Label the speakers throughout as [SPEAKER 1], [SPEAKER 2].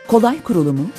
[SPEAKER 1] kolay kurulumu,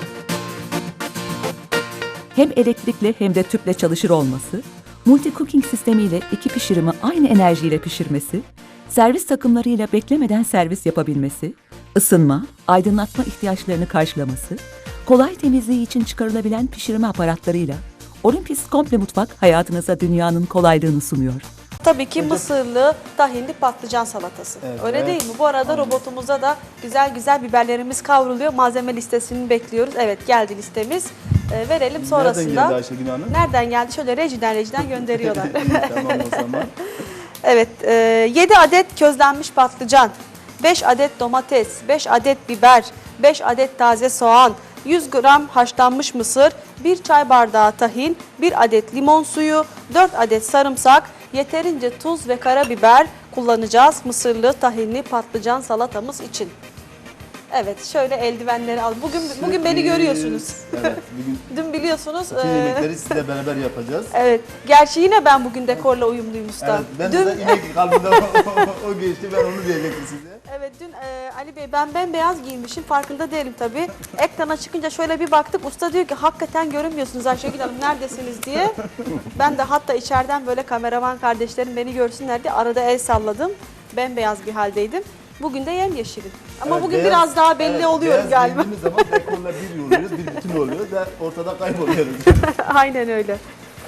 [SPEAKER 1] hem elektrikli hem de tüple çalışır olması, multi cooking sistemiyle iki pişirimi aynı enerjiyle pişirmesi, servis takımlarıyla beklemeden servis yapabilmesi, ısınma, aydınlatma ihtiyaçlarını karşılaması, kolay temizliği için çıkarılabilen pişirme aparatlarıyla Olympus Komple Mutfak hayatınıza dünyanın kolaylığını sunuyor.
[SPEAKER 2] Tabii ki mısırlı, tahinli patlıcan salatası.
[SPEAKER 3] Evet.
[SPEAKER 2] Öyle değil mi? Bu arada robotumuzda da güzel güzel biberlerimiz kavruluyor. Malzeme listesini bekliyoruz. Evet, geldi listemiz. Verelim sonrasında.
[SPEAKER 3] Nereden geldi Ayşegül Hanım?
[SPEAKER 2] Nereden geldi? Şöyle rejiden gönderiyorlar.
[SPEAKER 3] Tamam o zaman.
[SPEAKER 2] Evet, 7 adet közlenmiş patlıcan, 5 adet domates, 5 adet biber, 5 adet taze soğan, 100 gram haşlanmış mısır, 1 çay bardağı tahin, 1 adet limon suyu, 4 adet sarımsak, yeterince tuz ve karabiber kullanacağız mısırlı tahinli patlıcan salatamız için. Evet, şöyle eldivenleri al. Bugün beni görüyorsunuz.
[SPEAKER 3] Evet, bugün
[SPEAKER 2] Dün biliyorsunuz.
[SPEAKER 3] bütün yemekleri sizle beraber yapacağız.
[SPEAKER 2] Evet, gerçi yine ben bugün dekorla uyumluyum usta.
[SPEAKER 3] Evet, ben de inek kalbimde o geçti, ben onu diyecektim size.
[SPEAKER 2] Evet, dün Ali Bey ben bembeyaz giyinmişim, farkında değilim tabii. Ekrana çıkınca şöyle bir baktık, usta diyor ki hakikaten görünmüyorsunuz Ayşegül Hanım, neredesiniz diye. Ben de hatta içeriden böyle kameraman kardeşlerim beni görsünler diye arada el salladım. Bembeyaz bir haldeydim. Bugün de yemyeşilim. Ama
[SPEAKER 3] Evet,
[SPEAKER 2] bugün
[SPEAKER 3] beyaz-
[SPEAKER 2] biraz daha belli
[SPEAKER 3] evet,
[SPEAKER 2] oluyorum
[SPEAKER 3] beyaz
[SPEAKER 2] galiba.
[SPEAKER 3] giydiğimiz zaman dekorla bir oluyoruz, bir bütün oluyoruz ve ortada kayboluyoruz.
[SPEAKER 2] Aynen öyle.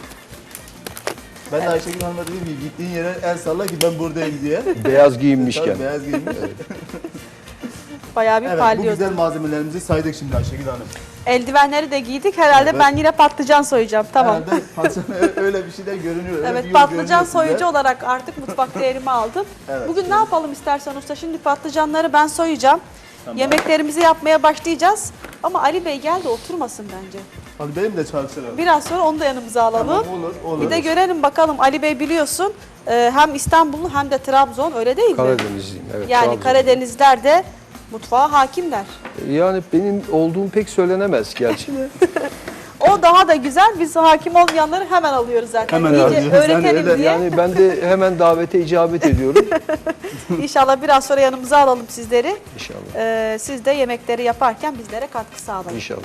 [SPEAKER 3] Ben de Ayşegül Hanım'a dedim ki gittiğin yere el salla ki ben buradayım diye.
[SPEAKER 4] Beyaz giyinmişken.
[SPEAKER 3] Tabii beyaz giyinmiş.
[SPEAKER 2] Bayağı bir
[SPEAKER 3] Evet, bu
[SPEAKER 2] parlıyordu.
[SPEAKER 3] güzel malzemelerimizi saydık şimdi Ayşegül Hanım.
[SPEAKER 2] Eldivenleri de giydik. Herhalde
[SPEAKER 3] Evet.
[SPEAKER 2] ben yine patlıcan soyacağım. Tamam.
[SPEAKER 3] Herhalde patlıcan öyle bir şeyler görünüyor. öyle
[SPEAKER 2] Evet,
[SPEAKER 3] bir yol
[SPEAKER 2] patlıcan
[SPEAKER 3] görünüyor size.
[SPEAKER 2] soyucu olarak artık mutfakta yerimi aldım.
[SPEAKER 3] Evet,
[SPEAKER 2] Bugün
[SPEAKER 3] evet.
[SPEAKER 2] ne yapalım istersen usta? Şimdi patlıcanları ben soyacağım.
[SPEAKER 3] Tamam.
[SPEAKER 2] Yemeklerimizi yapmaya başlayacağız. Ama Ali Bey gel de oturmasın bence.
[SPEAKER 3] Hadi benim de çalışırım.
[SPEAKER 2] Biraz sonra onu da yanımıza alalım.
[SPEAKER 3] Tamam, olur.
[SPEAKER 2] Bir de görelim bakalım. Ali Bey biliyorsun hem İstanbullu hem de Trabzon, öyle değil mi?
[SPEAKER 4] Karadenizliyim. Evet,
[SPEAKER 2] Yani
[SPEAKER 4] Trabzon.
[SPEAKER 2] Karadenizler de mutfağa hakimler.
[SPEAKER 4] Yani benim olduğum pek söylenemez gerçi de.
[SPEAKER 2] O daha da güzel. Biz hakim olmayanları hemen alıyoruz zaten.
[SPEAKER 3] Hemen
[SPEAKER 2] İyice
[SPEAKER 3] alıyoruz.
[SPEAKER 2] öğretelim
[SPEAKER 3] Yani öyle-
[SPEAKER 2] diye.
[SPEAKER 4] Yani ben de hemen davete icabet ediyorum.
[SPEAKER 2] İnşallah biraz sonra yanımıza alalım sizleri.
[SPEAKER 4] İnşallah.
[SPEAKER 2] Siz de yemekleri yaparken bizlere katkı sağlayın.
[SPEAKER 4] İnşallah.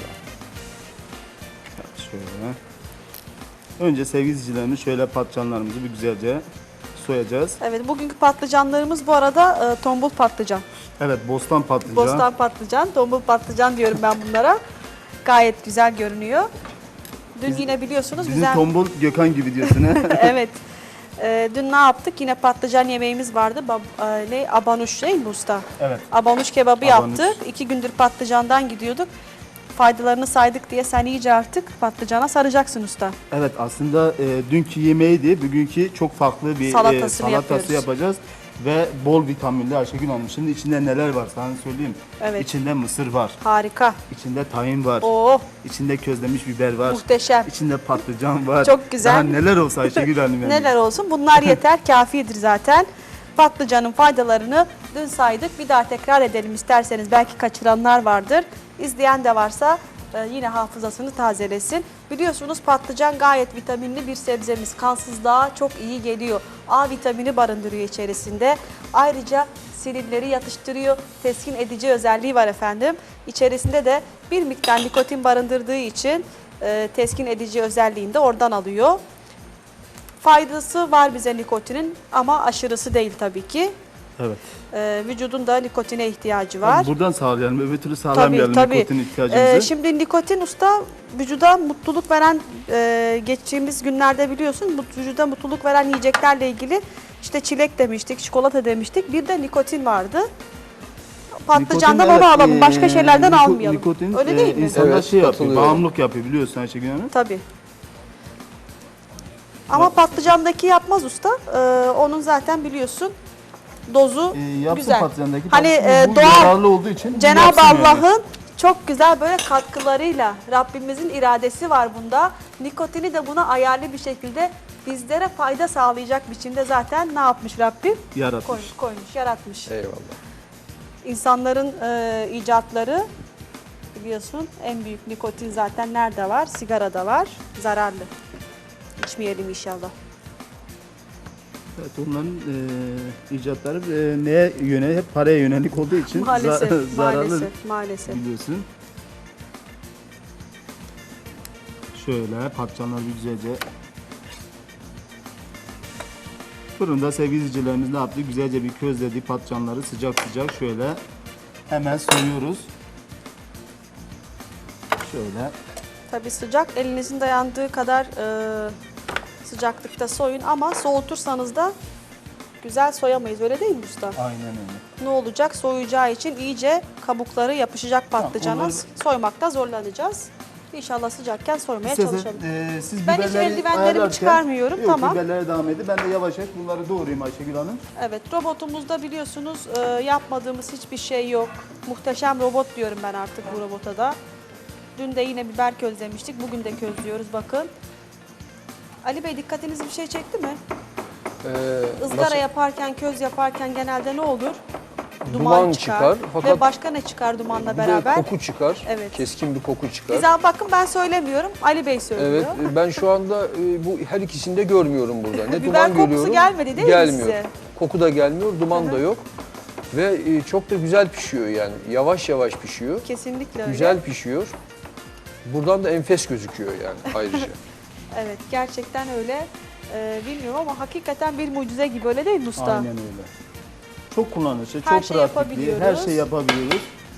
[SPEAKER 3] Şöyle. Önce sevgili izleyicilerimiz şöyle patlıcanlarımızı bir güzelce soyacağız.
[SPEAKER 2] Evet, bugünkü patlıcanlarımız bu arada tombul patlıcan.
[SPEAKER 3] Evet, bostan patlıcan.
[SPEAKER 2] Bostan patlıcan, tombul patlıcan diyorum ben bunlara. Gayet güzel görünüyor. Dün yine biliyorsunuz
[SPEAKER 3] Bizim
[SPEAKER 2] güzel.
[SPEAKER 3] tombul Gökhan gibi diyorsun he?
[SPEAKER 2] Evet. Dün ne yaptık? Yine patlıcan yemeğimiz vardı. Abanuş değil mi usta?
[SPEAKER 3] Evet.
[SPEAKER 2] Abanuş kebabı
[SPEAKER 3] Abanuş.
[SPEAKER 2] yaptık. 2 gündür patlıcandan gidiyorduk. Faydalarını saydık diye sen iyice artık patlıcana saracaksın usta.
[SPEAKER 3] Evet, aslında dünkü yemeğiydi. Bugünkü çok farklı bir
[SPEAKER 2] Salatasını yapıyoruz.
[SPEAKER 3] yapacağız. Ve bol vitaminli Ayşegül Hanım. Şimdi içinde neler var sana söyleyeyim.
[SPEAKER 2] Evet.
[SPEAKER 3] İçinde mısır var.
[SPEAKER 2] Harika.
[SPEAKER 3] İçinde tahin var.
[SPEAKER 2] Oh,
[SPEAKER 3] İçinde közlemiş biber var.
[SPEAKER 2] muhteşem.
[SPEAKER 3] İçinde patlıcan var.
[SPEAKER 2] Çok güzel.
[SPEAKER 3] Daha neler olsa Ayşegül Hanım yani.
[SPEAKER 2] Neler olsun, bunlar yeter, kafidir zaten. Patlıcanın faydalarını dün saydık. Bir daha tekrar edelim isterseniz. Belki kaçıranlar vardır. İzleyen de varsa yine hafızasını tazelesin. Biliyorsunuz patlıcan gayet vitaminli bir sebzemiz. Kansızlığa çok iyi geliyor. A vitamini barındırıyor içerisinde. Ayrıca sinirleri yatıştırıyor. Teskin edici özelliği var efendim. İçerisinde de bir miktar nikotin barındırdığı için teskin edici özelliğini de oradan alıyor. Faydası var bize nikotinin ama aşırısı değil tabii ki.
[SPEAKER 3] Evet.
[SPEAKER 2] Vücudun da nikotine ihtiyacı var.
[SPEAKER 3] Buradan sağlayalım, öbür türlü sağlamayalım
[SPEAKER 2] Tabii.
[SPEAKER 3] nikotin ihtiyacımızı.
[SPEAKER 2] Şimdi nikotin usta vücuda mutluluk veren, geçtiğimiz günlerde biliyorsun vücuda mutluluk veren yiyeceklerle ilgili işte çilek demiştik, çikolata demiştik. Bir de nikotin vardı. Patlıcandan
[SPEAKER 3] Nikotin,
[SPEAKER 2] onu
[SPEAKER 3] evet,
[SPEAKER 2] alalım, başka şeylerden almayalım.
[SPEAKER 3] Nikotin
[SPEAKER 2] Öyle değil mi?
[SPEAKER 3] insanlar
[SPEAKER 4] Evet,
[SPEAKER 3] şey yapıyor,
[SPEAKER 4] katılıyorum.
[SPEAKER 3] bağımlılık yapıyor biliyorsun Ayşegül Hanım.
[SPEAKER 2] Tabii. Ama patlıcandaki yapmaz usta. Onun zaten biliyorsun dozu
[SPEAKER 3] Yapsın
[SPEAKER 2] güzel.
[SPEAKER 3] patlıcandaki
[SPEAKER 2] Hani
[SPEAKER 3] patlıcan, bu
[SPEAKER 2] doğal
[SPEAKER 3] yararlı olduğu için
[SPEAKER 2] Cenab-ı
[SPEAKER 3] yapsın yani.
[SPEAKER 2] Allah'ın çok güzel böyle katkılarıyla Rabbimizin iradesi var bunda. Nikotini de buna ayarlı bir şekilde bizlere fayda sağlayacak biçimde zaten ne yapmış Rabbim?
[SPEAKER 3] Yaratmış.
[SPEAKER 2] Koymuş, yaratmış.
[SPEAKER 4] Eyvallah.
[SPEAKER 2] İnsanların icatları biliyorsun en büyük nikotin zaten nerede var? Sigarada var. Zararlı. İçmeyelim inşallah.
[SPEAKER 3] Evet, onların icatları neye yönelik? Hep paraya yönelik olduğu için
[SPEAKER 2] Maalesef,
[SPEAKER 3] zararlı
[SPEAKER 2] maalesef.
[SPEAKER 3] biliyorsun. Şöyle patlıcanlar bir güzelce fırında sevgili izleyicilerimiz ne yaptı? Güzelce bir közledi patlıcanları sıcak sıcak şöyle hemen soyuyoruz. Şöyle.
[SPEAKER 2] Tabii sıcak, elinizin dayandığı kadar sıcaklıkta soyun ama soğutursanız da güzel soyamayız, öyle değil mi usta?
[SPEAKER 3] Aynen öyle.
[SPEAKER 2] Ne olacak? Soğuyacağı için iyice kabukları yapışacak patlıcana.
[SPEAKER 3] onları-
[SPEAKER 2] Soymakta zorlanacağız. İnşallah sıcakken soymaya
[SPEAKER 3] İstersen,
[SPEAKER 2] çalışalım.
[SPEAKER 3] siz
[SPEAKER 2] Ben hiç
[SPEAKER 3] biberleri
[SPEAKER 2] eldivenlerimi
[SPEAKER 3] ayarlarken-
[SPEAKER 2] çıkarmıyorum,
[SPEAKER 3] Yok,
[SPEAKER 2] tamam.
[SPEAKER 3] biberlere devam edin. Ben de yavaş yavaş bunları doğrayayım Ayşegül Hanım.
[SPEAKER 2] Evet, robotumuzda biliyorsunuz yapmadığımız hiçbir şey yok. Muhteşem robot diyorum ben artık bu robota da. Dün de yine biber közlemiştik, bugün de közlüyoruz bakın. Ali Bey dikkatinizi bir şey çekti mi? Izgara
[SPEAKER 4] nasıl-
[SPEAKER 2] yaparken, köz yaparken genelde ne olur?
[SPEAKER 4] Duman çıkar, fakat
[SPEAKER 2] Ve başka ne çıkar dumanla
[SPEAKER 4] bir de
[SPEAKER 2] beraber?
[SPEAKER 4] koku çıkar.
[SPEAKER 2] Evet.
[SPEAKER 4] Keskin bir koku çıkar.
[SPEAKER 2] Bize bakın ben söylemiyorum, Ali Bey söylüyor.
[SPEAKER 4] Evet, ben şu anda bu her ikisini de görmüyorum burada. Ne
[SPEAKER 2] Biber
[SPEAKER 4] duman
[SPEAKER 2] kokusu
[SPEAKER 4] görüyorum.
[SPEAKER 2] gelmedi değil mi
[SPEAKER 4] gelmiyor.
[SPEAKER 2] size?
[SPEAKER 4] Koku da gelmiyor, duman da yok. Ve çok da güzel pişiyor yani. Yavaş yavaş pişiyor.
[SPEAKER 2] Kesinlikle öyle.
[SPEAKER 4] Güzel pişiyor. Buradan da enfes gözüküyor yani ayrıca.
[SPEAKER 2] Evet, gerçekten öyle. Bilmiyorum ama hakikaten bir mucize gibi, öyle değil mi usta?
[SPEAKER 3] Aynen öyle. Çok kullanışlı,
[SPEAKER 2] Her
[SPEAKER 3] çok
[SPEAKER 2] şey
[SPEAKER 3] pratikli,
[SPEAKER 2] yapabiliyoruz.
[SPEAKER 3] her şey yapabiliyoruz.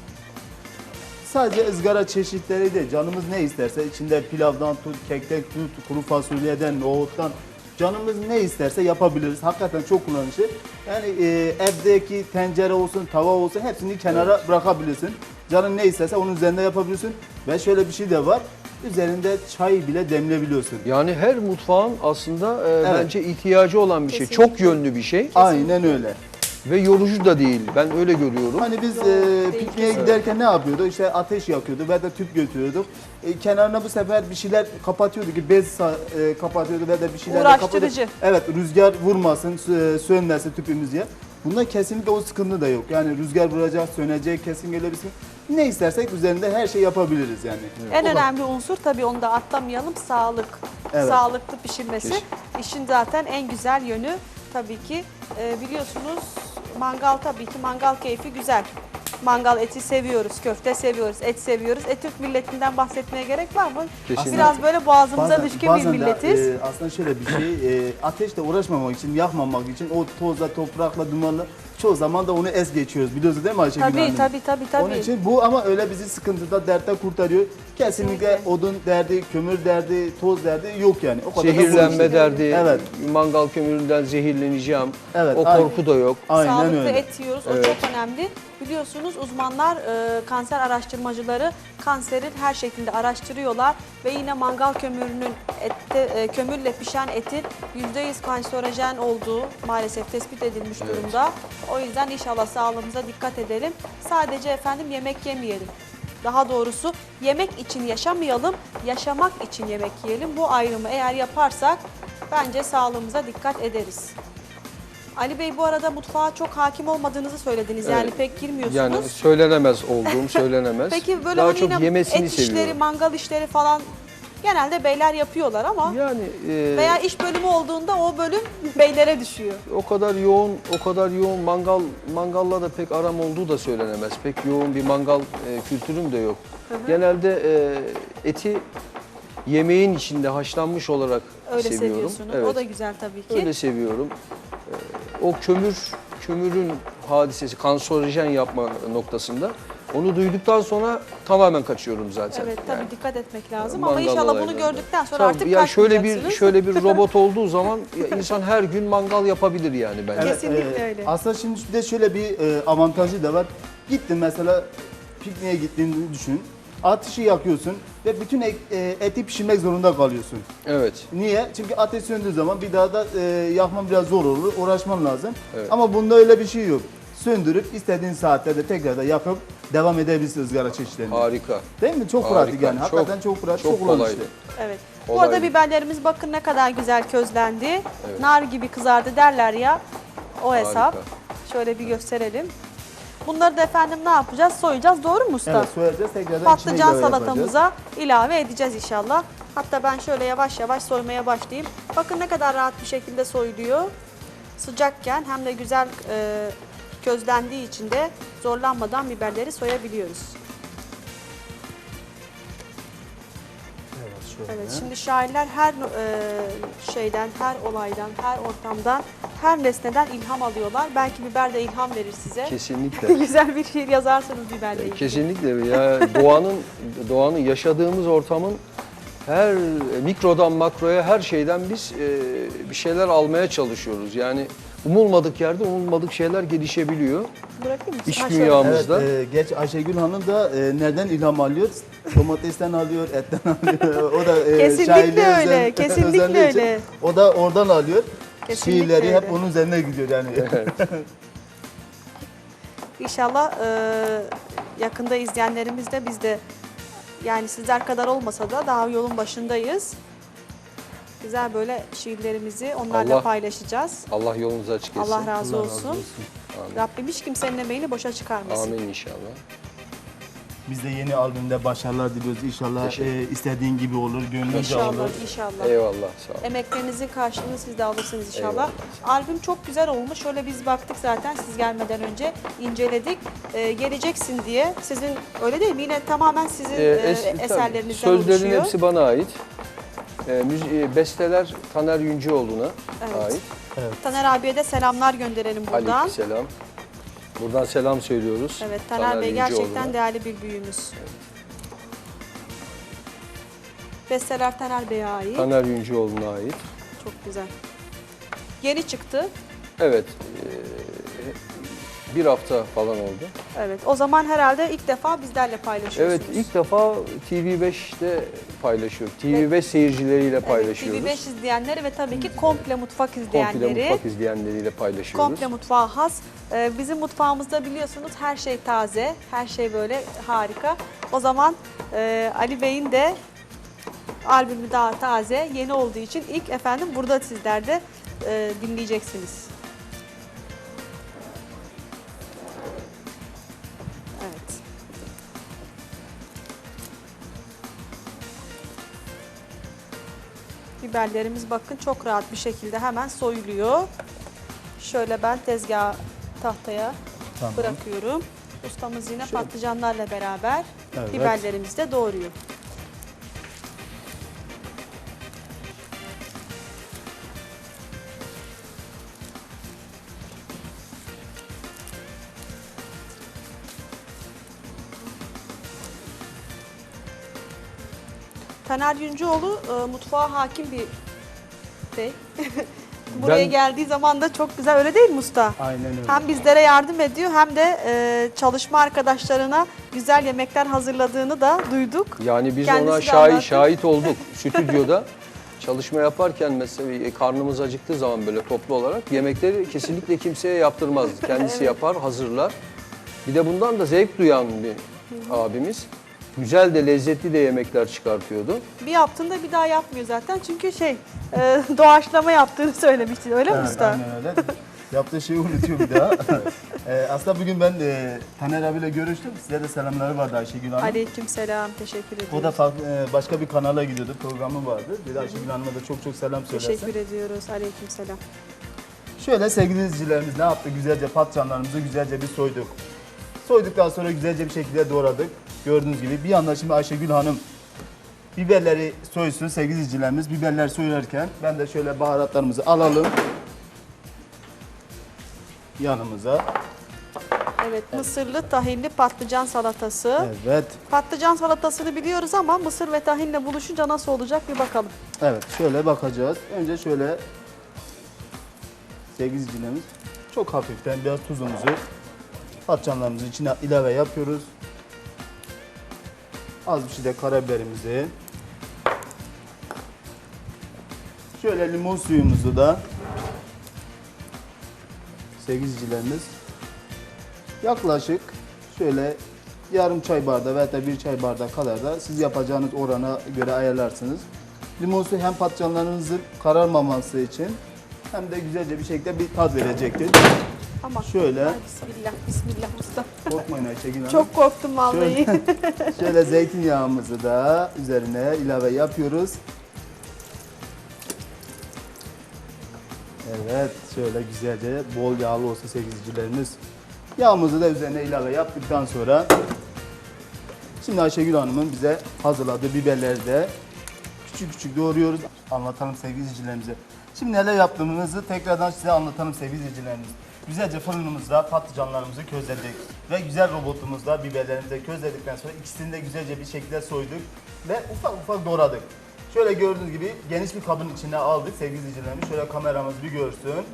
[SPEAKER 3] Sadece ızgara çeşitleri de canımız ne isterse içinde pilavdan tut, kekten tut, kuru fasulyeden, nohuttan canımız ne isterse yapabiliriz. Hakikaten çok kullanışlı. Yani evdeki tencere olsun, tava olsun hepsini kenara bırakabilirsin. Canın ne isterse onun üzerinde yapabilirsin. Ve şöyle bir şey de var. Üzerinde çay bile demleyebiliyorsun.
[SPEAKER 4] Yani her mutfağın aslında
[SPEAKER 3] Evet.
[SPEAKER 4] bence ihtiyacı olan bir şey.
[SPEAKER 2] Kesinlikle.
[SPEAKER 4] Çok yönlü bir şey
[SPEAKER 3] Aynen öyle.
[SPEAKER 4] ve yorucu da değil. Ben öyle görüyorum.
[SPEAKER 3] Hani biz
[SPEAKER 2] Değil,
[SPEAKER 3] pikniğe
[SPEAKER 2] kesin.
[SPEAKER 3] giderken ne yapıyorduk? İşte ateş yakıyorduk ve de tüp götürüyorduk. Kenarına bu sefer bir şeyler kapatıyorduk ki bez kapatıyorduk ve de bir şeyler
[SPEAKER 2] Uğraştırıcı.
[SPEAKER 3] Evet, rüzgar vurmasın, sönmesin tüpümüz diye. Bunda kesinlikle o sıkıntı da yok. Yani rüzgar vuracak, sönecek, kesin öyle bir sıkıntı. Ne istersek üzerinde her şey yapabiliriz yani.
[SPEAKER 2] En önemli unsur tabii, onu da atlamayalım, sağlık.
[SPEAKER 3] Evet.
[SPEAKER 2] Sağlıklı pişirmesi.
[SPEAKER 4] Kesin.
[SPEAKER 2] İşin zaten en güzel yönü tabii ki. Biliyorsunuz mangal, tabii ki mangal keyfi güzel. Mangal eti seviyoruz, köfte seviyoruz, et seviyoruz. Türk milletinden bahsetmeye gerek var mı?
[SPEAKER 4] Kesinlikle.
[SPEAKER 2] Biraz böyle boğazımıza düşkün bir
[SPEAKER 3] bazen de,
[SPEAKER 2] milletiz.
[SPEAKER 3] aslında şöyle bir şey, ateşle uğraşmamak için, yakmamak için o tozla, toprakla, dumanla çoğu zaman da onu es geçiyoruz. Biliyorsunuz değil mi Ayşegül Hanım?
[SPEAKER 2] Tabii.
[SPEAKER 3] Onun için bu ama öyle bizi sıkıntıda, dertte kurtarıyor. Kesinlikle
[SPEAKER 2] Kesinlikle.
[SPEAKER 3] odun derdi, kömür derdi, toz derdi yok yani. O kadar da
[SPEAKER 4] Zehirlenme
[SPEAKER 3] konuşuyor.
[SPEAKER 4] derdi,
[SPEAKER 3] Evet.
[SPEAKER 4] mangal kömüründen zehirleneceğim.
[SPEAKER 3] Evet,
[SPEAKER 4] O
[SPEAKER 3] aynen.
[SPEAKER 4] korku da yok.
[SPEAKER 3] Aynen
[SPEAKER 2] Sağlıklı
[SPEAKER 3] öyle.
[SPEAKER 2] et yiyoruz, o
[SPEAKER 4] Evet.
[SPEAKER 2] çok önemli. Biliyorsunuz uzmanlar, kanser araştırmacıları kanserin her şeklinde araştırıyorlar ve yine mangal kömürünün kömürle pişen etin %100 kanserojen olduğu maalesef tespit edilmiş
[SPEAKER 4] Evet.
[SPEAKER 2] durumda. O yüzden inşallah sağlığımıza dikkat edelim. Sadece efendim yemek yemeyelim. Daha doğrusu yemek için yaşamayalım, yaşamak için yemek yiyelim. Bu ayrımı eğer yaparsak bence sağlığımıza dikkat ederiz. Ali Bey, bu arada mutfağa çok hakim olmadığınızı söylediniz. Yani
[SPEAKER 4] Evet.
[SPEAKER 2] pek girmiyorsunuz.
[SPEAKER 4] Yani söylenemez olduğum söylenemez.
[SPEAKER 2] Peki böyle
[SPEAKER 4] Daha
[SPEAKER 2] hani
[SPEAKER 4] çok
[SPEAKER 2] yine
[SPEAKER 4] yemesini
[SPEAKER 2] et işleri,
[SPEAKER 4] seviyorum.
[SPEAKER 2] mangal işleri falan genelde beyler yapıyorlar ama
[SPEAKER 4] Yani
[SPEAKER 2] veya iş bölümü olduğunda o bölüm beylere düşüyor.
[SPEAKER 4] o kadar yoğun mangalla da pek aram olduğu da söylenemez. Pek yoğun bir mangal kültürüm de yok. Genelde eti yemeğin içinde haşlanmış olarak
[SPEAKER 2] Öyle
[SPEAKER 4] seviyorum.
[SPEAKER 2] seviyorsunuz.
[SPEAKER 4] Evet.
[SPEAKER 2] O da güzel tabii ki.
[SPEAKER 4] Öyle seviyorum. O kömürün hadisesi, kanserojen yapma noktasında onu duyduktan sonra tamamen kaçıyorum zaten.
[SPEAKER 2] Evet tabii
[SPEAKER 4] Yani.
[SPEAKER 2] dikkat etmek lazım ama
[SPEAKER 4] Mangal
[SPEAKER 2] inşallah bunu
[SPEAKER 4] olaylarında.
[SPEAKER 2] gördükten sonra
[SPEAKER 4] Tabii,
[SPEAKER 2] artık
[SPEAKER 4] ya şöyle
[SPEAKER 2] kaçmayacaksınız.
[SPEAKER 4] bir robot olduğu zaman ya insan her gün mangal yapabilir yani bence.
[SPEAKER 3] Evet,
[SPEAKER 2] Kesinlikle öyle.
[SPEAKER 3] Aslında şimdi bir de şöyle bir avantajı da var. Gittin mesela pikniğe gittiğini düşün. Ateşi yakıyorsun ve bütün eti pişirmek zorunda kalıyorsun.
[SPEAKER 4] Evet.
[SPEAKER 3] Niye? Çünkü ateş söndüğü zaman bir daha da yakman biraz zor olur, uğraşman lazım.
[SPEAKER 4] Evet.
[SPEAKER 3] Ama bunda öyle bir şey yok. Söndürüp istediğin saatlerde tekrar da yakıp devam edebilirsin ızgara çeşitlerini.
[SPEAKER 4] Harika.
[SPEAKER 3] Değil mi? Çok
[SPEAKER 4] Harika.
[SPEAKER 3] pratik yani. Hakikaten çok pratik, çok
[SPEAKER 4] Çok
[SPEAKER 3] kullanışlı.
[SPEAKER 4] kolaydı.
[SPEAKER 2] Evet. Bu
[SPEAKER 4] Kolay
[SPEAKER 2] arada
[SPEAKER 4] değil.
[SPEAKER 2] biberlerimiz bakın ne kadar güzel közlendi. Nar gibi kızardı derler ya. O hesap.
[SPEAKER 4] Harika.
[SPEAKER 2] Şöyle bir gösterelim. Bunları da efendim ne yapacağız? Soyacağız. Doğru mu usta?
[SPEAKER 3] Evet, soyacağız tekrardan içine
[SPEAKER 2] Patlıcan
[SPEAKER 3] ilave yapacağız.
[SPEAKER 2] salatamıza ilave edeceğiz inşallah. Hatta ben şöyle yavaş yavaş soymaya başlayayım. Bakın ne kadar rahat bir şekilde soyuluyor. sıcakken hem de güzel közlendiği için de zorlanmadan biberleri soyabiliyoruz.
[SPEAKER 3] Evet, şöyle.
[SPEAKER 2] Evet, şimdi şairler her şeyden, her olaydan, her ortamdan, her nesneden ilham alıyorlar. Belki biber de ilham verir size.
[SPEAKER 4] Kesinlikle.
[SPEAKER 2] Güzel bir şiir yazarsanız biberle ilgili.
[SPEAKER 4] Kesinlikle ya, doğanın yaşadığımız ortamın her mikrodan makroya her şeyden biz bir şeyler almaya çalışıyoruz. Yani umulmadık yerde umulmadık şeyler gelişebiliyor.
[SPEAKER 2] Bırakayım mı?
[SPEAKER 4] İş
[SPEAKER 2] Ha, şöyle.
[SPEAKER 4] dünyamızda.
[SPEAKER 3] Evet, geç Ayşegül Hanım da nereden ilham alıyor? Domatesten alıyor, etten alıyor. O da
[SPEAKER 2] Kesinlikle
[SPEAKER 3] şairliğe
[SPEAKER 2] öyle, kesinlikle
[SPEAKER 3] özendiği için
[SPEAKER 2] öyle.
[SPEAKER 3] O da oradan alıyor.
[SPEAKER 2] Kesinlikle
[SPEAKER 3] Şiirleri hep
[SPEAKER 2] öyle.
[SPEAKER 3] onun üzerine gidiyor yani.
[SPEAKER 2] İnşallah yakında izleyenlerimiz de biz de yani sizler kadar olmasa da daha yolun başındayız. Güzel böyle şiirlerimizi onlarla
[SPEAKER 4] Allah-
[SPEAKER 2] paylaşacağız.
[SPEAKER 4] Allah yolunuzu açık etsin.
[SPEAKER 2] Allah razı olsun.
[SPEAKER 4] Amin.
[SPEAKER 2] Rabbim hiç kimsenin emeğini boşa çıkarmasın.
[SPEAKER 4] Amin inşallah.
[SPEAKER 3] Biz de yeni albümde başarılar diliyoruz. İnşallah
[SPEAKER 4] Teşekkür
[SPEAKER 3] istediğin gibi olur, gönlünce
[SPEAKER 2] İnşallah,
[SPEAKER 3] olur.
[SPEAKER 2] inşallah.
[SPEAKER 4] Eyvallah, sağ olun.
[SPEAKER 2] Emeklerinizin karşılığını siz de alırsınız inşallah.
[SPEAKER 4] Eyvallah.
[SPEAKER 2] Albüm çok güzel olmuş. Şöyle biz baktık zaten siz gelmeden önce inceledik. Geleceksin diye. Sizin öyle değil mi? Yine tamamen sizin
[SPEAKER 4] Tabii,
[SPEAKER 2] eserlerinizden
[SPEAKER 4] sözlerin
[SPEAKER 2] oluşuyor.
[SPEAKER 4] hepsi bana ait. Besteler Taner Yüncüoğlu'na
[SPEAKER 2] Evet.
[SPEAKER 4] ait.
[SPEAKER 2] Taner abiye de selamlar gönderelim buradan.
[SPEAKER 4] Aleykümselam. Buradan selam söylüyoruz.
[SPEAKER 2] Evet, Taner Bey
[SPEAKER 4] Yüncüoğlu'na.
[SPEAKER 2] gerçekten değerli bir büyüğümüz. Besteler Taner Bey'e ait.
[SPEAKER 4] Taner Yüncüoğlu'na ait.
[SPEAKER 2] Çok güzel. Yeni çıktı.
[SPEAKER 4] Evet. Bir hafta falan oldu.
[SPEAKER 2] Evet. O zaman herhalde ilk defa bizlerle
[SPEAKER 4] Evet,
[SPEAKER 2] paylaşıyorsunuz.
[SPEAKER 4] ilk defa TV5'te paylaşıyor. TV5 seyircileriyle paylaşıyoruz.
[SPEAKER 2] TV5 izleyenleri ve tabii ki komple mutfak
[SPEAKER 4] Komple
[SPEAKER 2] izleyenleri.
[SPEAKER 4] mutfak izleyenleriyle paylaşıyoruz.
[SPEAKER 2] Komple mutfağa has. Bizim mutfağımızda biliyorsunuz her şey taze, her şey böyle harika. O zaman Ali Bey'in de albümü daha taze, yeni olduğu için ilk efendim burada sizler de dinleyeceksiniz. Evet. Biberlerimiz bakın çok rahat bir şekilde hemen soyuluyor. Şöyle ben tezgah tahtaya
[SPEAKER 3] Tamam.
[SPEAKER 2] bırakıyorum. Ustamız yine patlıcanlarla beraber
[SPEAKER 3] Evet.
[SPEAKER 2] biberlerimizi de doğruyor. Taner Yüncüoğlu mutfağa hakim bir bey. Buraya
[SPEAKER 4] Ben-
[SPEAKER 2] geldiği zaman da çok güzel, öyle değil mi usta?
[SPEAKER 3] Aynen öyle.
[SPEAKER 2] Hem bizlere yardım ediyor hem de çalışma arkadaşlarına güzel yemekler hazırladığını da duyduk.
[SPEAKER 4] Yani biz
[SPEAKER 2] Kendisi
[SPEAKER 4] ona
[SPEAKER 2] de anlattı.
[SPEAKER 4] şahit olduk stüdyoda. Çalışma yaparken mesela karnımız acıktığı zaman böyle toplu olarak yemekleri kesinlikle kimseye yaptırmaz. Kendisi yapar, hazırlar. Bir de bundan da zevk duyan bir abimiz. Güzel de lezzetli de yemekler çıkartıyordu.
[SPEAKER 2] Bir yaptığında bir daha yapmıyor zaten çünkü doğaçlama yaptığını söylemiştin, öyle mi
[SPEAKER 3] Evet,
[SPEAKER 2] usta?
[SPEAKER 3] aynen öyle. Yaptığı şeyi unutuyor bir daha. Aslında bugün ben Taner abiyle görüştüm. Size de selamları vardı Ayşegül Hanım.
[SPEAKER 2] Aleykümselam, teşekkür ediyorum.
[SPEAKER 3] O da başka bir kanala gidiyordu, programı vardı. Bir de Ayşegül Hanım'a da çok çok selam söylersen.
[SPEAKER 2] Teşekkür ediyoruz, aleykümselam.
[SPEAKER 3] Şöyle sevgili izleyicilerimiz ne yaptı? Güzelce patlıcanlarımızı güzelce bir soyduk. Soyduktan sonra güzelce bir şekilde doğradık. Gördüğünüz gibi bir yandan şimdi Ayşegül Hanım biberleri soysun sevgili izleyicilerimiz. Biberler soyulurken ben de şöyle baharatlarımızı alalım yanımıza.
[SPEAKER 2] Evet, mısırlı tahinli patlıcan salatası.
[SPEAKER 3] Evet.
[SPEAKER 2] Patlıcan salatasını biliyoruz ama mısır ve tahinle buluşunca nasıl olacak bir bakalım.
[SPEAKER 3] Evet, şöyle bakacağız. Önce şöyle sevgili izleyicilerimiz çok hafiften biraz tuzumuzu patlıcanlarımızın içine ilave yapıyoruz. Az bir şey de karabiberimizi. Şöyle limon suyumuzu da sevgili izleyicilerimiz yaklaşık şöyle yarım çay bardağı veya da bir çay bardağı kadar da siz yapacağınız orana göre ayarlarsınız. Limon suyu hem patlıcanlarınızın kararmaması için hem de güzelce bir şekilde bir tat verecektir.
[SPEAKER 2] Ama
[SPEAKER 3] Şöyle.
[SPEAKER 2] Ay, bismillah, bismillah usta.
[SPEAKER 3] Korkmayın Ayşegül Hanım.
[SPEAKER 2] Çok korktum vallahi.
[SPEAKER 3] Şöyle zeytinyağımızı da üzerine ilave yapıyoruz. Evet, şöyle güzelce bol yağlı olsun sevgilicilerimiz. Yağımızı da üzerine ilave yaptıktan sonra şimdi Ayşegül Hanım'ın bize hazırladığı biberleri de küçük küçük doğruyoruz. Anlatalım sevgili izleyicilerimize. Şimdi neler yaptığımızı tekrardan size anlatalım sevgili izleyicilerimiz. Güzelce fırınımızda patlıcanlarımızı közledik ve güzel robotumuzda biberlerimizi közledikten sonra ikisini de güzelce bir şekilde soyduk ve ufak ufak doğradık. Şöyle gördüğünüz gibi geniş bir kabın içine aldık sevgili izleyicilerimiz. Şöyle kameramız bir görsün.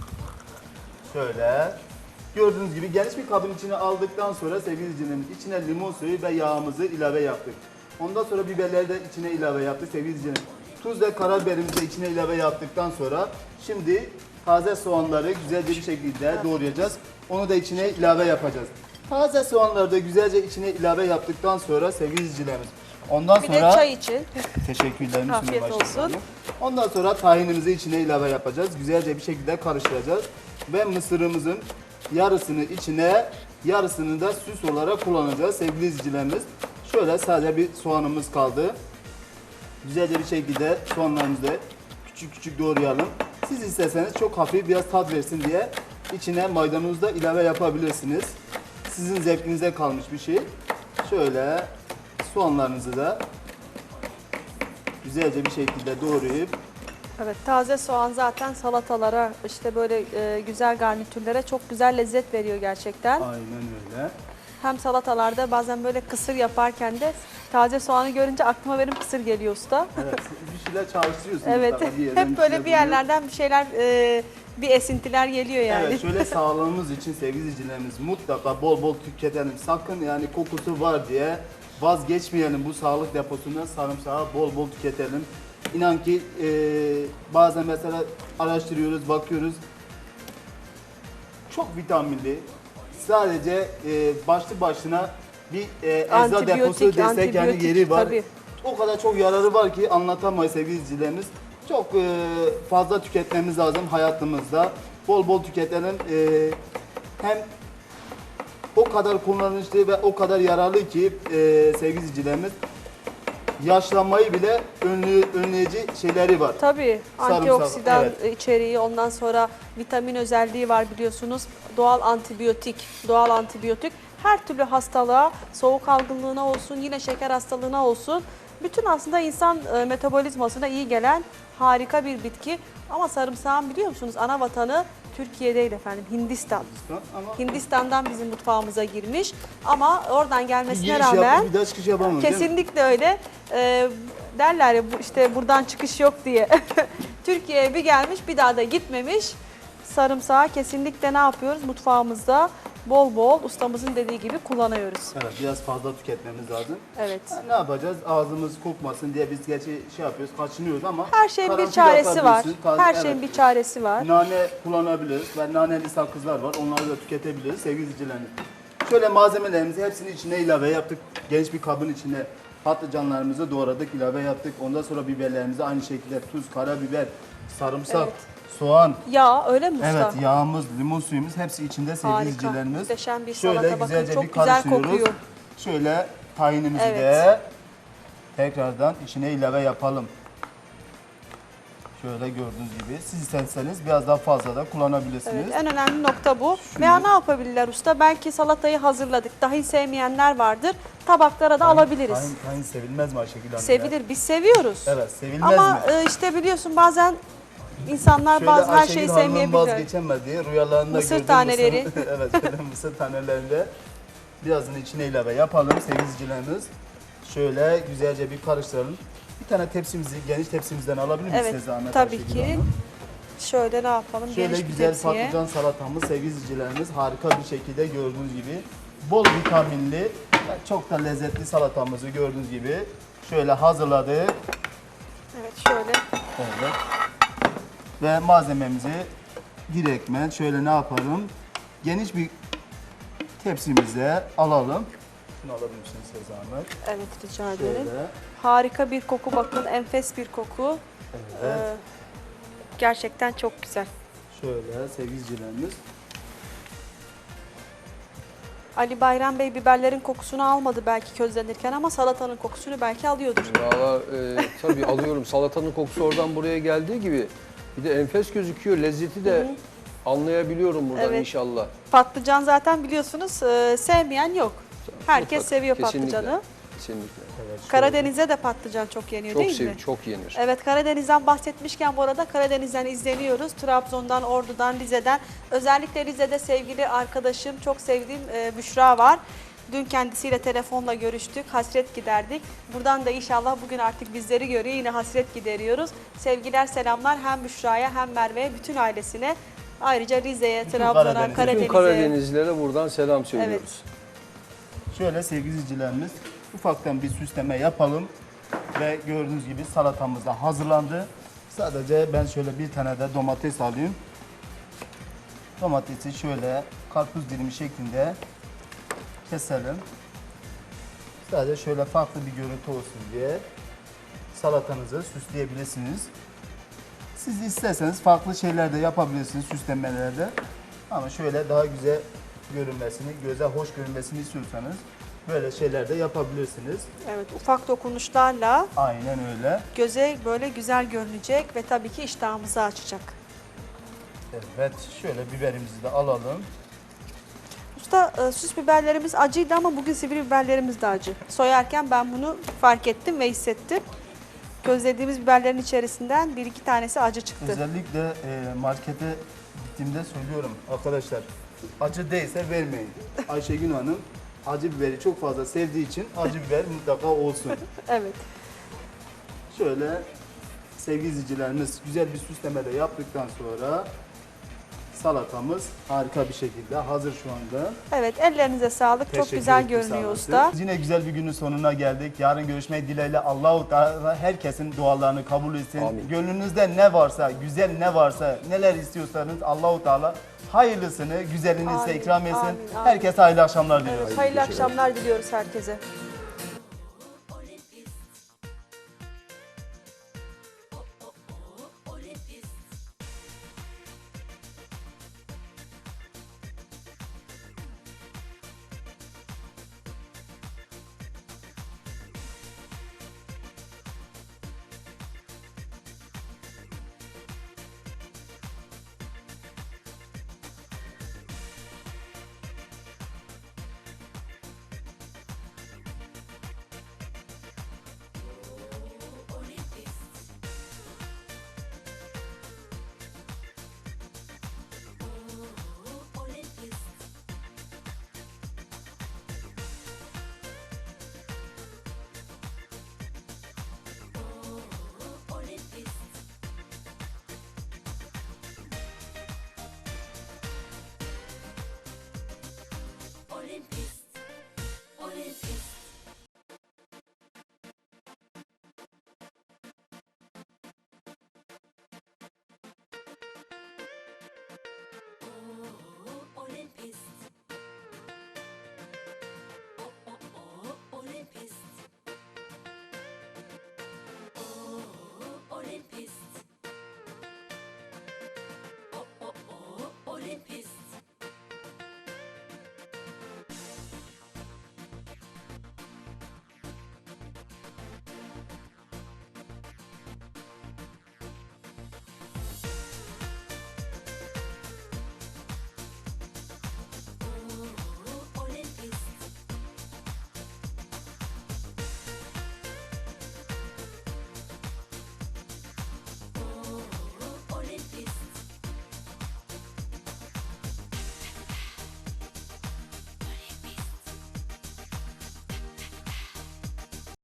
[SPEAKER 3] Şöyle. Gördüğünüz gibi geniş bir kabın içine aldıktan sonra sevgili izleyicilerimiz içine limon suyu ve yağımızı ilave yaptık. Ondan sonra biberleri de içine ilave yaptık sevgili izleyicilerimiz. Tuz ve karabiberimizi de içine ilave yaptıktan sonra şimdi taze soğanları güzelce bir şekilde doğrayacağız. Onu da içine ilave yapacağız. Taze soğanları da güzelce içine ilave yaptıktan sonra sevgili izleyicilerimiz. Ondan
[SPEAKER 2] Bir
[SPEAKER 3] sonra
[SPEAKER 2] de çay için.
[SPEAKER 3] teşekkürlerimi
[SPEAKER 2] Afiyet
[SPEAKER 3] sunuyorum Ayşegül
[SPEAKER 2] olsun.
[SPEAKER 3] Hanım. Ondan sonra tahinimizi içine ilave yapacağız. Güzelce bir şekilde karıştıracağız. Ve mısırımızın yarısını içine, yarısını da süs olarak kullanacağız sevgili izleyicilerimiz. Şöyle sadece bir soğanımız kaldı. Güzelce bir şekilde soğanlarımızı da küçük küçük doğrayalım. Siz isterseniz çok hafif biraz tat versin diye içine maydanoz da ilave yapabilirsiniz. Sizin zevkinize kalmış bir şey. Şöyle soğanlarınızı da güzelce bir şekilde doğrayıp
[SPEAKER 2] Evet, taze soğan zaten salatalara, işte böyle güzel garnitürlere çok güzel lezzet veriyor gerçekten.
[SPEAKER 3] aynen öyle.
[SPEAKER 2] Hem salatalarda bazen böyle kısır yaparken de taze soğanı görünce aklıma benim kısır geliyor usta.
[SPEAKER 3] Evet, bir şeyler çalıştırıyorsunuz.
[SPEAKER 2] Evet,
[SPEAKER 3] tabii, bir yerden
[SPEAKER 2] hep böyle
[SPEAKER 3] şeyler
[SPEAKER 2] bir yerlerden bir şeyler, bir esintiler geliyor yani.
[SPEAKER 3] Evet, şöyle sağlığımız için sevgili izleyicilerimiz mutlaka bol bol tüketelim. Sakın yani kokusu var diye vazgeçmeyelim bu sağlık deposundan, sarımsağı bol bol tüketelim. İnan ki bazen mesela araştırıyoruz, bakıyoruz. Çok vitaminli. Sadece başlı başına bir ecza deposu desek yani yeri var.
[SPEAKER 2] Tabii.
[SPEAKER 3] O kadar çok yararı var ki anlatamayız sevgili izleyicilerimiz. Çok fazla tüketmemiz lazım hayatımızda. Bol bol tüketelim. Hem o kadar kullanışlı ve o kadar yararlı ki sevgili izleyicilerimiz, yaşlanmayı bile önleyici şeyleri var.
[SPEAKER 2] Tabii,
[SPEAKER 3] Sarımsak,
[SPEAKER 2] antioksidan
[SPEAKER 3] evet.
[SPEAKER 2] içeriği, ondan sonra vitamin özelliği var biliyorsunuz. Doğal antibiyotik her türlü hastalığa, soğuk algınlığına olsun, yine şeker hastalığına olsun. Bütün aslında insan metabolizmasına iyi gelen harika bir bitki. Ama sarımsağın biliyor musunuz ana vatanı Türkiye değil efendim, Hindistan.
[SPEAKER 3] Ama
[SPEAKER 2] Hindistan'dan bizim mutfağımıza girmiş ama oradan
[SPEAKER 3] bir
[SPEAKER 2] gelmesine
[SPEAKER 3] giriş
[SPEAKER 2] rağmen
[SPEAKER 3] yapıp bir daha çıkış yapamam değil mi?
[SPEAKER 2] kesinlikle öyle. Derler ya işte buradan çıkış yok diye. Türkiye'ye bir gelmiş bir daha da gitmemiş. Sarımsağı kesinlikle ne yapıyoruz? Mutfağımızda bol bol ustamızın dediği gibi kullanıyoruz.
[SPEAKER 3] Evet, biraz fazla tüketmemiz lazım.
[SPEAKER 2] Evet.
[SPEAKER 3] Yani ne yapacağız? Ağzımız kokmasın diye biz gerçi şey yapıyoruz, kaçınıyoruz ama
[SPEAKER 2] Her şeyin bir
[SPEAKER 3] karanfil
[SPEAKER 2] çaresi var.
[SPEAKER 3] atabilirsin.
[SPEAKER 2] Her
[SPEAKER 3] Evet.
[SPEAKER 2] şeyin bir çaresi var.
[SPEAKER 3] Nane kullanabiliriz ve naneli sakızlar var. Onları da tüketebiliriz sevgili izleyicilerimiz. Şöyle malzemelerimizi hepsini içine ilave yaptık. Geniş bir kabın içine patlıcanlarımızı doğradık, ilave yaptık. Ondan sonra biberlerimizi aynı şekilde tuz, karabiber, sarımsak,
[SPEAKER 2] Evet.
[SPEAKER 3] soğan.
[SPEAKER 2] Ya öyle mi usta?
[SPEAKER 3] Evet, yağımız, limon suyumuz hepsi içinde sevgili
[SPEAKER 2] Harika.
[SPEAKER 3] izleyicilerimiz.
[SPEAKER 2] Muhteşem bir
[SPEAKER 3] Şöyle
[SPEAKER 2] salata. Bakın
[SPEAKER 3] güzelce
[SPEAKER 2] çok
[SPEAKER 3] bir
[SPEAKER 2] güzel
[SPEAKER 3] karıştırıyoruz.
[SPEAKER 2] kokuyor.
[SPEAKER 3] Şöyle tahinimizi
[SPEAKER 2] Evet.
[SPEAKER 3] de tekrardan içine ilave yapalım. Şöyle gördüğünüz gibi. Siz isterseniz biraz daha fazla da kullanabilirsiniz.
[SPEAKER 2] Evet, en önemli nokta bu.
[SPEAKER 3] Şunu-
[SPEAKER 2] Veya ne yapabilirler usta? Belki salatayı hazırladık. Dahi sevmeyenler vardır. Tabaklara da alabiliriz.
[SPEAKER 3] Tahin sevilmez mi Ayşegül Hanım? ya?
[SPEAKER 2] Sevilir. Biz seviyoruz.
[SPEAKER 3] Evet, sevilmez
[SPEAKER 2] Ama
[SPEAKER 3] mi?
[SPEAKER 2] işte biliyorsun bazen insanlar
[SPEAKER 3] Şöyle
[SPEAKER 2] bazı her
[SPEAKER 3] Ayşegül
[SPEAKER 2] şeyi
[SPEAKER 3] Hanım'ın
[SPEAKER 2] sevmeyebilirler.
[SPEAKER 3] vazgeçemediği rüyalarında
[SPEAKER 2] Mısır
[SPEAKER 3] gördüğüm
[SPEAKER 2] taneleri.
[SPEAKER 3] evet, şöyle mısır tanelerinde birazını içine ilave yapalım sevgili izleyicilerimiz. Şöyle güzelce bir karıştıralım. Bir tane tepsimizi, geniş tepsimizden alabilir misiniz?
[SPEAKER 2] Evet,
[SPEAKER 3] Zahmet
[SPEAKER 2] tabii
[SPEAKER 3] Ayşegül
[SPEAKER 2] ki.
[SPEAKER 3] Hanım?
[SPEAKER 2] Şöyle ne yapalım?
[SPEAKER 3] Şöyle
[SPEAKER 2] Geniş bir
[SPEAKER 3] güzel
[SPEAKER 2] tepsiye.
[SPEAKER 3] patlıcan salatamız sevgili izleyicilerimiz harika bir şekilde gördüğünüz gibi bol vitaminli ve çok da lezzetli salatamızı gördüğünüz gibi şöyle hazırladık.
[SPEAKER 2] Evet, şöyle.
[SPEAKER 3] Evet. Ve malzememizi direktmen şöyle ne yapalım? Geniş bir tepsimize alalım. Şunu alabilir misiniz size zahmet?
[SPEAKER 2] Evet, rica ederim.
[SPEAKER 3] Şöyle.
[SPEAKER 2] Harika bir koku bakın. Enfes bir koku.
[SPEAKER 3] Evet.
[SPEAKER 2] Gerçekten çok güzel.
[SPEAKER 3] Şöyle sevgili izleyicilerimiz.
[SPEAKER 2] Ali Bayram Bey biberlerin kokusunu almadı belki közlenirken ama salatanın kokusunu belki alıyordur.
[SPEAKER 4] Valla tabii alıyorum. Salatanın kokusu oradan buraya geldiği gibi Bir de enfes gözüküyor. Lezzeti de anlayabiliyorum buradan
[SPEAKER 2] Evet.
[SPEAKER 4] inşallah.
[SPEAKER 2] Patlıcan zaten biliyorsunuz sevmeyen yok. Herkes
[SPEAKER 4] Mutlaka,
[SPEAKER 2] seviyor
[SPEAKER 4] kesinlikle,
[SPEAKER 2] patlıcanı.
[SPEAKER 4] Kesinlikle.
[SPEAKER 2] Karadeniz'de de patlıcan çok yeniyor değil mi?
[SPEAKER 4] Çok yenir.
[SPEAKER 2] Evet, Karadeniz'den bahsetmişken bu arada Karadeniz'den izleniyoruz. Trabzon'dan, Ordu'dan, Rize'den. Özellikle Rize'de sevgili arkadaşım, çok sevdiğim Büşra var. Dün kendisiyle telefonla görüştük, hasret giderdik. Buradan da inşallah bugün artık bizleri görüyor, yine hasret gideriyoruz. Sevgiler, selamlar hem Büşra'ya hem Merve'ye, bütün ailesine. Ayrıca Rize'ye, Trabzon'a,
[SPEAKER 3] Karadeniz'e.
[SPEAKER 2] Karadeniz'e.
[SPEAKER 4] Bütün Karadenizlilere buradan selam söylüyoruz.
[SPEAKER 3] Şöyle sevgili izleyicilerimiz, ufaktan bir süsleme yapalım ve gördüğünüz gibi salatamız da hazırlandı. Sadece ben şöyle bir tane de domates alayım. Domatesi şöyle karpuz dilimi şeklinde keselim. Sadece şöyle farklı bir görüntü olsun diye salatanızı süsleyebilirsiniz. Siz isterseniz farklı şeyler de yapabilirsiniz süslemelerde. Ama şöyle daha güzel görünmesini, göze hoş görünmesini istiyorsanız böyle şeyler de yapabilirsiniz.
[SPEAKER 2] Evet, ufak dokunuşlarla
[SPEAKER 3] Aynen öyle.
[SPEAKER 2] göze böyle güzel görünecek ve tabii ki iştahımızı açacak.
[SPEAKER 3] Evet, şöyle biberimizi de alalım.
[SPEAKER 2] Usta süs biberlerimiz acıydı ama bugün sivri biberlerimiz de acı. Soyarken ben bunu fark ettim ve hissettim. Gözlediğimiz biberlerin içerisinden bir iki tanesi acı çıktı.
[SPEAKER 3] Özellikle markete gittiğimde söylüyorum arkadaşlar, acı değilse vermeyin. Ayşegül Hanım acı biberi çok fazla sevdiği için acı biber mutlaka olsun.
[SPEAKER 2] Evet.
[SPEAKER 3] Şöyle sevgili izleyicilerimiz güzel bir süsleme de yaptıktan sonra salatamız harika bir şekilde hazır şu anda.
[SPEAKER 2] Evet, ellerinize sağlık. Çok
[SPEAKER 3] Teşekkür
[SPEAKER 2] güzel
[SPEAKER 3] ettim, sağ
[SPEAKER 2] görünüyor
[SPEAKER 3] olasın.
[SPEAKER 2] usta.
[SPEAKER 3] Yine güzel bir günün sonuna geldik. Yarın görüşmek dileğiyle. Allah-u Teala herkesin dualarını kabul etsin.
[SPEAKER 4] Amin.
[SPEAKER 3] Gönlünüzde ne varsa, güzel ne varsa, neler istiyorsanız Allah-u Teala hayırlısını, güzelini size
[SPEAKER 2] Amin,
[SPEAKER 3] ikram etsin.
[SPEAKER 2] amin, amin.
[SPEAKER 3] Herkese hayırlı akşamlar diliyorum.
[SPEAKER 2] Evet, hayırlı akşamlar diliyoruz herkese.
[SPEAKER 5] Olympus, Olympus.